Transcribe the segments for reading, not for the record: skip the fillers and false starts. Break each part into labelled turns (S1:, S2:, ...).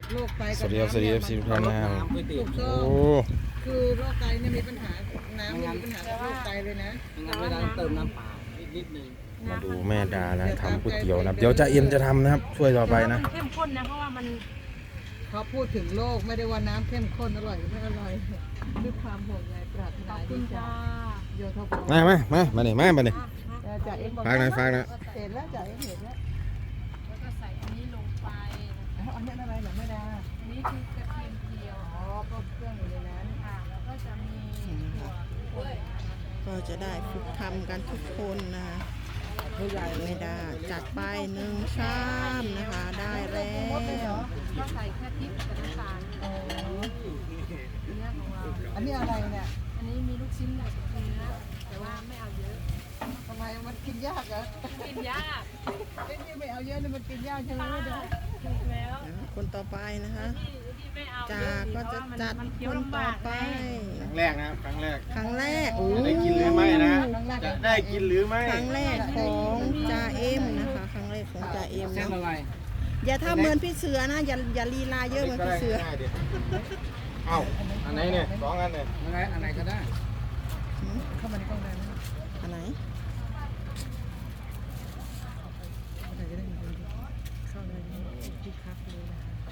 S1: โรคไต
S2: สวัสดีครับสวัสดีครับทุกท่านนะครับ
S1: ถูกต้อง
S2: โอ้
S1: คือโรคไตเนี่ยมีปัญหาน้ำมีปัญหากับโรคไตเลยนะ
S3: งั้นเวลาเติมน้ำเปล่านิดนึง
S2: มาดูแม่ดานะทำก๋วยเตี๋ยวนะครับเดี๋ยวจะเอ็มจะทำนะครับช่วยต่อไปนะ
S4: มันเข้มข้นนะเพราะว่ามัน
S1: เขาพูดถึงโรคไม่ได้ว่าน้ำเข้มข้นอร่อยหรือไม่อร่อยด้วยความห่วงใยปรารถนาดีจ้าโยธบ
S2: มานี่มานี่
S1: จ่าเอ็มบอก
S2: ฝากหน่อยฝากหน่อย
S1: เห็นแล้วจ่าเอ็มเห็นแล้ว
S4: แล้วก็ใส่อันนี้ลงไป
S1: อันนี้อะไรหรอแม่ดา
S4: อันนี้คือกระเทียมเจียว
S1: อ๋อก็เครื่องอยู่ในนั้น
S4: ค่ะแล้วก็จะมีถั่วด้วย
S5: ก็จะได้ฝึกทำกันทุกคนนะคะไม่ได้จัดไป1 ชามนะคะ ได้แล้ว
S4: ก็ใส่แค่พริกกับน้ำตาลเนื้อของเรา
S1: อันนี้อะไรเนี่ย
S4: อันนี้มีลูกชิ้นกับเนื้อแต่ว่าไม่เอาเยอะ
S1: ทำไมมันกินยากเหรอ
S4: กินยาก
S1: ไม่เอาเยอะนี่มันกินยากใช่ไหมแม่ดา
S4: ถูกแล้ว
S5: คนต่อไปนะคะ
S4: ที่ไม่เอา
S5: จากก็จะจัด
S4: มันเคี้ย
S5: คว น
S4: ลำ
S5: ต่อบ
S4: าก
S5: ไป
S2: ครั้งแรกนะครับครั้งแรก
S5: ครั้งแรกโอ้
S2: จะได้กินหรือไม่นะจะได้กินหรือไม่
S5: ครั้งแรกของจ่าเอ็มนะคะครั้งแรกของจ่าเอ็ม
S3: เส้น
S5: เนาะ
S3: อะไร
S5: อย่าทำเหมือนพี่เสือนะอย่าลีลาเยอะเหมือนพี่เสือ
S2: ง่ายดิเอ้าอันไหนเนี่ย2 อันเนี่ย
S3: อะไรก็ได้
S1: เข้ามาในกล้องได้ไหม
S5: อันไหน
S1: ไหนจะได้มีคนเข้าเลยที่คักเลย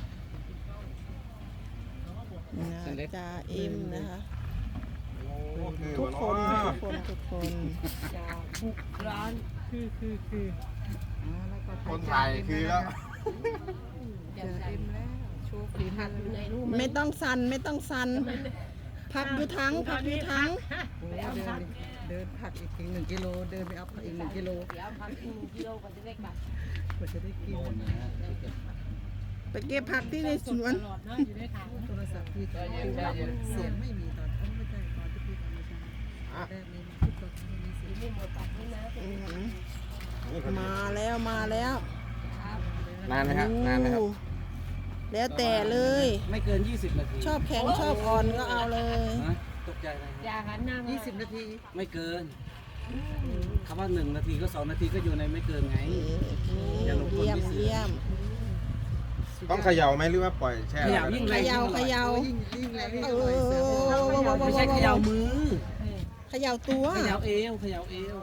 S1: นะคะ
S5: นะจ่าเอ็มนะคะ
S2: โอ้คือ
S5: ทุกคน
S2: วะ
S5: ทุกคน
S4: จากบุกร้านคือ
S1: อ๋อแล้วก็
S2: คนถ่ายคือแล้ว
S1: เจอเอ็มแล้วโชว์ฝีมือ
S4: อยู่ในรูป
S5: ไม่ต้องสั่นไม่ต้องสั่นพักอยู่ทั้งพักอยู่ทั้ง
S1: โอ้เดินผักอีก1 กิโลเดินไปเอาผักอีก1 กิโล
S4: เดี๋ยวพัก1 กิโลก่อนจะได้กลับ
S1: กว่าจะได้กิน
S5: ไปเก็บผักที่ในสวน
S4: ตลอดเนาะอยู่ในถัง
S1: โทรศัพท์พี่คือว่าเสียงไม่มีตอนไม่ใช่ตอนที่พี่ทำไม่ใช่แรกนี้ทุกคนไม่มีเสียง
S4: นี่หมดตัดนี่นะ
S5: มาแล้วมาแล้ว
S2: นานไหมครับนานไหมครับ
S5: อู้แล้วแต่เลย
S3: ไม่เกิน 20 นาที
S5: ชอบแข็งชอบอ่อนก็เอาเลย
S3: ฮะตกใจอะไร
S4: อย่าหันหน้ามา
S1: 20 นาที
S3: ไม่เกินคำว่า1 นาทีก็2 นาทีก็อยู่ในไม่เกินไง อย่าลงทุน
S5: เยี่ยม
S3: พิเศษ
S5: เยี่ยม
S2: ต้องเขย่าไหมหรือว่าปล่อยแช่
S3: ขยับยิ่ง
S5: เข
S3: แรง
S5: ย่าเขย่า
S1: ยิ่งแรงยิ่ง
S5: เอ
S1: อร่อยเสือ
S3: ไม่ใช่เขย่ามือ
S5: เขย่าตัว
S3: เขย่าเอวเขย่าเอว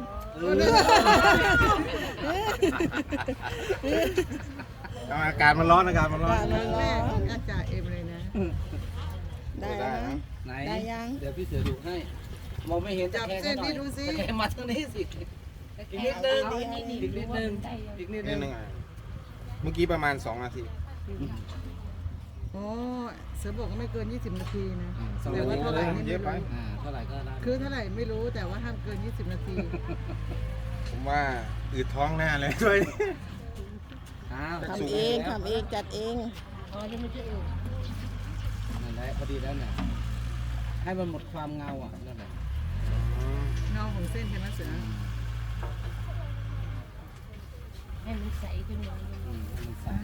S2: อากาศมันร้อนอากาศมันร้อน
S1: ครั้งแรกของอาจารย์เอ็มเลยนะ
S5: ได้แล้วนะ
S3: ไหน
S5: ได้ยัง
S3: เดี๋ยวพี่เสือดูให้ มองไม่เห็น
S1: จับเส้นนี่ดูสิ
S3: ตะแคงมาทางนี้สิอีกนิดนึงอีกนิดนึงอีกนิด
S2: นิ
S3: นึ
S2: ด
S3: ง
S2: นึงอ่ะเมื่อกี้ประมาณ2 นาที
S1: อ๋อเสือบอกว่าไม่เกิน 20 นาทีนะ
S3: 2
S1: แต่
S3: นา
S1: ว่า
S3: ที
S1: เท่าไหร่นี่
S2: เย
S1: ไม่
S2: อะไป
S1: รู้
S3: เท่าไหร่ก็ได้
S1: คือเท่าไหร่ไม่รู้แต่ว่าห้ามเกิน 20 นาที
S2: ผมว่าอืดท้องแน่เลยด้วย
S3: อ้าว
S5: ทำเองทำเองจัดเอง
S4: อ๋อจะไม่ใช่เออ
S3: นั่นแหละพอดีแล้วเนี่ยให้มันหมดความเงาอ่ะนั่นแหละ
S1: เงาของเส้นใช่ไหมเสือ
S4: ให้มันใสขึ้นมา
S3: มันใส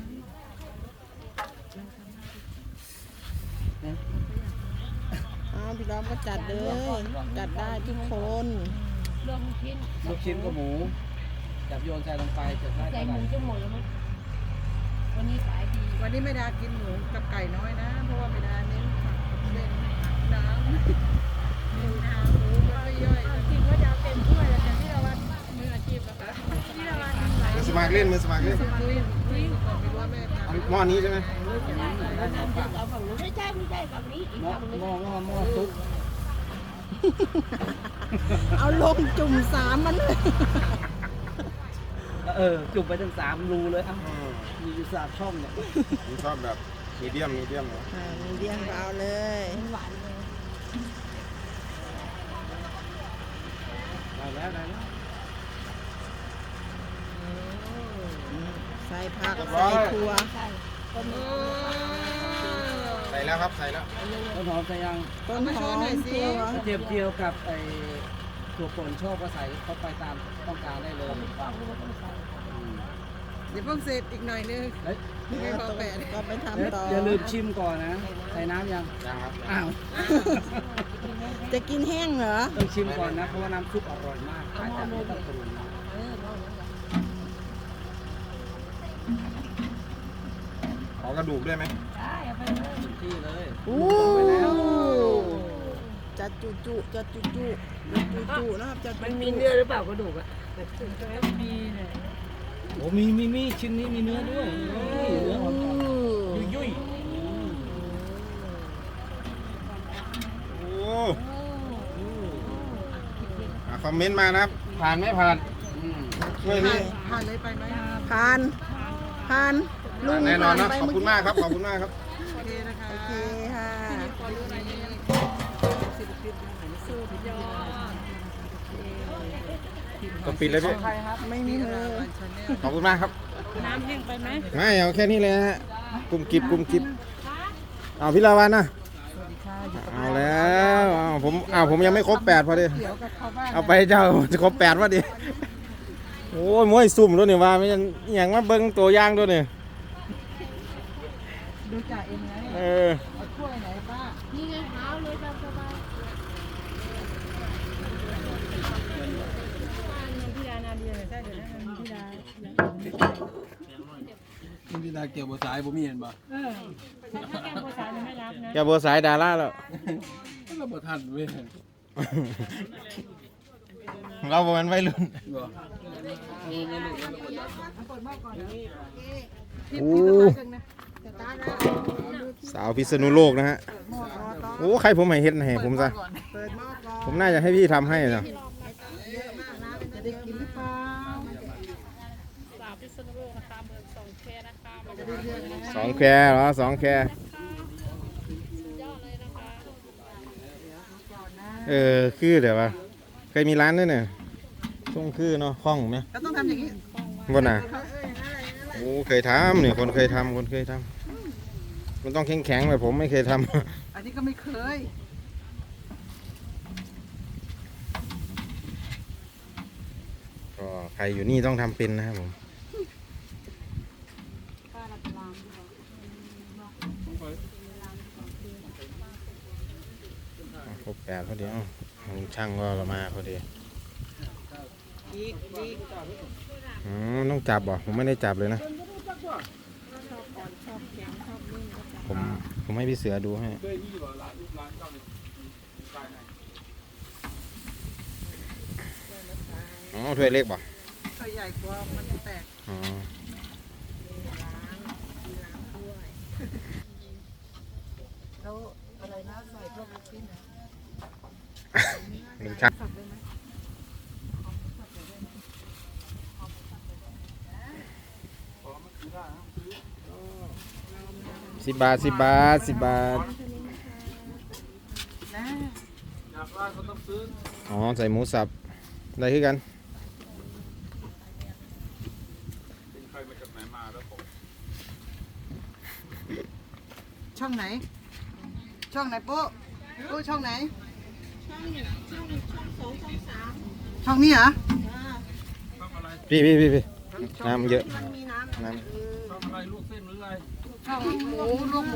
S5: เอาพี่น้องก็จัดเลย จัดได้ทุกคน
S4: รวมชิ้น
S3: ลูกชิ้นกับหมูจับโยนใส่ลงไปจะได้
S4: ใส่
S3: เท่า
S4: ห
S3: ไหร่
S4: มูจะหมดแล้วมั้งวันนี้ขายดี
S1: วันนี้ไม่ดากินหมูกับไก่น้อยนะ เพราะว่าไม่ดาเน้นผักกับเส้นน้ำหมูมันไม่ย่อย
S4: จริงว่าจะเอาเต็มถ้วยแล้วแต่ที่เราว่ามืออาชีพอะค่ะที่เราว่าทำไหล
S2: มือสมัครเล่นมือสมัครเล่น
S1: คุยก่อนไม่รู้ว่าแม่ทำ
S2: หม้อนี้ใช่ไหม
S4: เอาฝั่งนู้นไม่ใช่ฝั่งนี้อีก
S3: หม้อ
S4: ฝั่งนึง
S3: หม้อซุป
S5: เอาลงจุ่มสามมันเลย
S3: จุ่มไปถึง3 รูเลยอ่ะมีอยู่3 ช่องเนี่ย
S2: ผมชอบแบบมีเดียมเนาะ
S5: มีเดียงก็เอาเลย
S4: หวานเลย
S3: ได้แล้วได้แล้ว
S5: ใส่ผักใส่ถั่ว
S4: ใช่
S2: ใส่แล้วครับใส่แล้ว
S3: ต้นหอมใส่ยัง
S5: ต้นหอมถั่ว
S3: กระเทียมเจียวกับไอ้ถั่วป่นชอบก็ใส่เข้าไปตามต้องการได้เลย
S1: เดี๋ยวเพิ่งเสร็จอีกหน่อยนึง
S3: เฮ้ย
S1: ไม่พอแปด
S5: ก็ไปทำต่อ
S3: อย่าลืมชิมก่อนนะ ใส่น้ำยัง
S2: ยังครับ
S3: อ้าว
S5: จะกินแห้งเหรอ
S3: ต้องชิมก่อนนะ เพราะว่าน้ำซุปอร่อยมากอาจจะไม่ต้องปรุงนะ
S2: ขอกระดูกด้วยไหม
S4: ได้
S3: ที่เลย
S5: โอ้จัดจุจัดจุนะครับจัดจุ
S4: มันมีเนื้อหรือเปล่ากระดูกอ่ะมีเนี่ย
S3: โอ้มีชิ้นนี้มีเนื้อด้วยนี่เนื้อหอมยุ่ย
S2: โอ้คอมเมนต์มานะครับ ผ่านไม่ผ่านช่วยนี่
S1: ผ่านเลยไปไหม
S5: ผ่านลุง
S2: แน่นอนนะ
S5: ผ่
S2: ขอบ
S5: ไป
S2: คุณมากครับ ขอบคุณมากครับ
S1: โอเคนะคะ
S5: โอเคค่ะ
S4: สุดยอด
S2: ก็ปิดเลยพี่
S5: ไม่มีเลย
S2: ขอบคุณมากครับ
S4: น้ำแห้งไปไหม
S2: ไม่เอาแค่นี้เลยฮะกลุ่มกิบเอาพี่ลาวันนะเอาแล้วผมยังไม่ครบ8พอดี
S1: เดี๋ยวกับเขาบ้าน
S2: เอาไปเจ้าจะครบ8พอดีโอ้ยมวยซุ่มด้วยนี่ว่าไม่อย่างมาเบิ้งตัวอย่างด้วยนี่
S1: ดูจ่าเอ็มไง
S2: เออ
S1: เอาถ้วยไหนป้า
S4: นี่ไงเท้าเลยตามสบายพี่ดานาเดียใช่เดี๋ยวนะพี่ดา
S3: นี่พี่ตาเกี่ยวบัวสายผมมีเห็นป่ะ
S4: ถ้าแกงโบราณไม่รับนะ
S2: แกบัวสายดาราแล้ว
S3: เราบัวทันเว้ย
S2: เราบอกมันวัยรุ่น
S3: บ่
S2: โอ้สาวพิษณุโลกนะฮะโอ้ใครผมให้เฮ็ดให้ผมซะ
S1: เปิดหม้อก่อน
S2: ผมน่าจะให้พี่ทำให้นะ
S1: จะได้กินหรือเปล่า
S4: สาวพิษณุโลกนะคะเมืองสองแคนะคะ
S1: จะได้เลือกนะ
S2: 2 แคเหรอ2 แคคือเดี๋ยวว่าเคยมีร้านด้วยเนี่ยช่วงคือเนาะคล่องไหม
S1: ก็ต้องทำอย่างนี้
S2: บนน่ะโอ้เคยทำเนี่ยคนเคยทำมันต้องแข็งๆแบบผมไม่เคยทำ
S1: อันนี้ก็ไม่เคย
S2: ก็ใครอยู่นี่ต้องทำเป็นนะครับผมครบ8พอดีช่างก็เรามาพอดีต้องจับบ่ผมไม่ได้จับเลยนะผมให้พี่เสือดูให้อ๋อถ้วยเล็กบ่
S1: ตัวใหญ่กว่ามันจะแตก
S2: อ๋อ
S1: แล้วอะไรนะใส่พวกลูกชิ้นนะ
S2: หนึ่งช่าง10 บาท 10 บาท 10 บาท
S1: นะ
S3: อยากได้ก็ต้องซื้อ
S2: อ๋อใส่หมูสับได้คือกัน
S3: เป็นใครมาจากไหนมาแล้วผม
S1: ช่องไหน ช่องไหนปุ๊ช่องไหน ช่องนี้เหรอ
S2: พี่น้ำเยอะน้
S3: ชอบอะไรลูกเส้นหรืออะไร
S1: ช่องหมูลูกหมู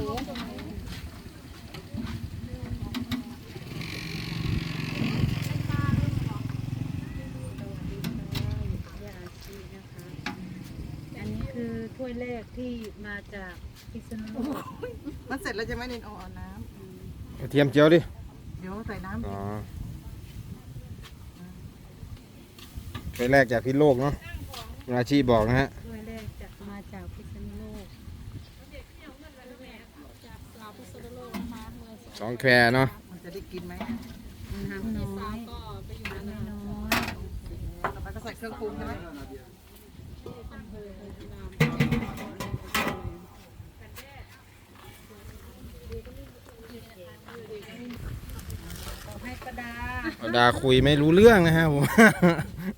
S4: อันนี้คือถ้วยแรกที่มาจากพิษณุโลก
S1: มันเสร็จแล้วจะไหม่เน้นเอาน้
S2: ำกระเทียมเจียวดิ
S1: ำเดี๋ยวใส่น้ำ
S2: อ๋อไปแรกจากพิษโลกเนาะอาชีพบอกนะฮะ
S4: ถ้วยแรกจะมาจากพิษณุโลก
S2: 2 แควเนาะ
S1: มันจะได้กินไหม
S4: น้ำน้อยน้ำน้อย
S1: ต่อไปก็ใส่เครื่องปรุงใช่ไหม
S4: ให้ประดา
S2: ดาคุยไม่รู้เรื่องนะฮะผม